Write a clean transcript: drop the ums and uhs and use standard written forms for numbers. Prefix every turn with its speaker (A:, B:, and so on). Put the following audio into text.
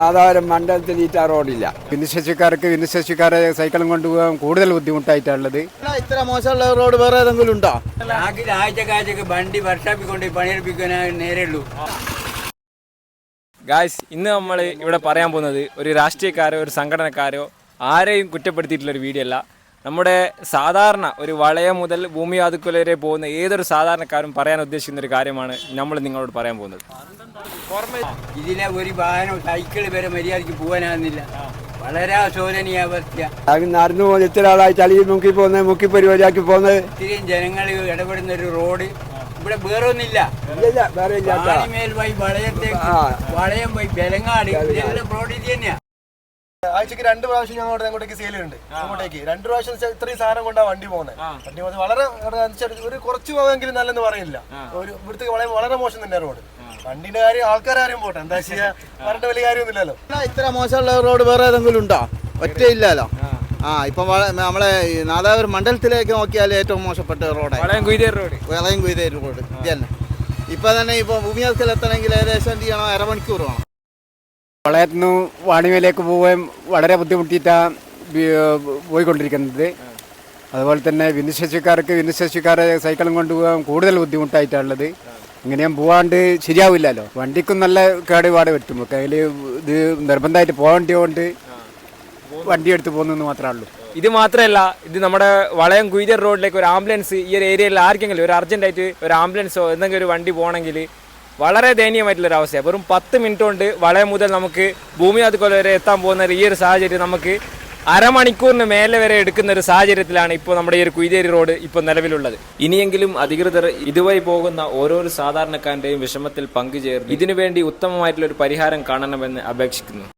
A: സാധാരണ മണ്ഡലത്തിൽ ഈ റോഡില്ല.
B: ഭിന്നശേഷിക്കാരെ സൈക്കിളും കൊണ്ടുപോകാൻ കൂടുതൽ ബുദ്ധിമുട്ടായിട്ടുള്ളത്.
C: ഇത്ര മോശമുള്ള റോഡ് വേറെ ഏതെങ്കിലും ഉണ്ടോ?
A: ആഴ്ചക്ക് വണ്ടി വർഷാപ്പിക്കൊണ്ട് പണിയെടുപ്പിക്കാൻ നേരെയുള്ളൂ.
D: ഗായ്സ്, ഇന്ന് നമ്മൾ ഇവിടെ പറയാൻ പോകുന്നത് ഒരു രാഷ്ട്രീയക്കാരോ ഒരു സംഘടനക്കാരോ ആരെയും കുറ്റപ്പെടുത്തിയിട്ടുള്ളൊരു വീഡിയോ അല്ല. നമ്മുടെ സാധാരണ ഒരു വളയം മുതൽ ഭൂമി വാതുക്കൽ വരെ പോകുന്ന ഏതൊരു സാധാരണക്കാരും പറയാൻ ഉദ്ദേശിക്കുന്ന ഒരു കാര്യമാണ് നമ്മൾ നിങ്ങളോട് പറയാൻ പോകുന്നത്.
A: ഇതിലെ ഒരു വാഹനം സൈക്കിൾ വരെ മര്യാദയ്ക്ക് പോകാനാകുന്നില്ല. വളരെ ശോചനീയ അവസ്ഥ. നടന്നു പോകുന്ന ഇത്ര ആളായി ചളിയിൽ മുക്കി പരിപാടിയാക്കി പോകുന്നത്. ഇത്രയും ജനങ്ങൾ ഇടപെടുന്ന ഒരു റോഡ് ഇവിടെ വേറെ ഒന്നില്ല. മേൽ പോയി വളയം പോയി ബലങ്ങാട് റോഡ് ഇത് തന്നെയാ.
E: ആഴ്ചക്ക് 2 പ്രാവശ്യം ഞങ്ങളുടെ അങ്ങോട്ടേക്ക് സെയിലുണ്ട്. അങ്ങോട്ടേക്ക് 2 പ്രാവശ്യം ഇത്രയും സാധനം കൊണ്ടാണ് വണ്ടി പോകുന്നത്. വണ്ടി പോകുന്നത് വളരെ ഒരു കുറച്ച് പോകാമെങ്കിലും നല്ലെന്ന് പറയില്ല. ഒരു ഇവിടുത്തെ വളരെ മോശം തന്നെ റോഡ്. വണ്ടിന്റെ കാര്യം ആൾക്കാരും പോട്ടെ, എന്താ ചെയ്യാ, പറഞ്ഞിട്ട് വലിയ കാര്യമൊന്നുമില്ലല്ലോ.
C: ഇത്ര മോശമുള്ള റോഡ് വേറെ ഏതെങ്കിലും ഉണ്ടോ? ഒറ്റ ഇല്ലല്ലോ. ഇപ്പൊ നമ്മളെ നാദാപുരം മണ്ഡലത്തിലേക്ക് നോക്കിയാൽ ഏറ്റവും മോശപ്പെട്ട റോഡാണ് വളയം കുയ്തേരി റോഡ്. ഇത് തന്നെ ഇപ്പൊ തന്നെ ഭൂമിയാസ്കൽ എത്തണമെങ്കിൽ ഏകദേശം എന്ത് ചെയ്യണം, അരമണിക്കൂർ വേണം.
B: വളയത്തു നിന്ന് വാണിമേലേക്ക് പോകാൻ വളരെ ബുദ്ധിമുട്ടിയിട്ടാണ് പോയിക്കൊണ്ടിരിക്കുന്നത്. അതുപോലെ തന്നെ ഭിന്നശേഷിക്കാരെ സൈക്കിളും കൊണ്ടുപോകാൻ കൂടുതൽ ബുദ്ധിമുട്ടായിട്ടുള്ളത്. ഇങ്ങനെയും പോവാണ്ട് ശരിയാവില്ലല്ലോ. വണ്ടിക്കും നല്ല കേടുപാട് പറ്റും. കയ്യിൽ ഇത് നിർബന്ധമായിട്ട് പോകേണ്ടതുകൊണ്ട് വണ്ടി എടുത്ത് പോകുന്നെന്ന് മാത്രമേ ഉള്ളൂ.
D: ഇത് മാത്രമല്ല, ഇത് നമ്മുടെ വളയം കുയ്തേരി റോഡിലേക്ക് ഒരു ആംബുലൻസ് ഈ ഒരു ഏരിയയിൽ ആർക്കെങ്കിലും ഒരു അർജൻറ്റായിട്ട് ഒരു ആംബുലൻസോ എന്തെങ്കിലും ഒരു വണ്ടി പോകണമെങ്കിൽ വളരെ ദയനീയമായിട്ടുള്ളൊരു അവസ്ഥയാണ്. വെറും 10 മിനിറ്റ് കൊണ്ട് വളയം മുതൽ നമുക്ക് ഭൂമി വാതുക്കൽ വരെ എത്താൻ പോകുന്ന ഈ ഒരു സാഹചര്യം നമുക്ക് അരമണിക്കൂറിന് മേലെ വരെ എടുക്കുന്ന ഒരു സാഹചര്യത്തിലാണ് ഇപ്പോൾ നമ്മുടെ ഈ ഒരു കുയ്തേരി റോഡ് ഇപ്പോൾ നിലവിലുള്ളത്. ഇനിയെങ്കിലും അധികൃതർ ഇതുവഴി പോകുന്ന ഓരോരോ സാധാരണക്കാരൻ്റെയും വിഷമത്തിൽ പങ്കുചേർന്ന് ഇതിനുവേണ്ടി ഉത്തമമായിട്ടുള്ള ഒരു പരിഹാരം കാണണമെന്ന് അപേക്ഷിക്കുന്നു.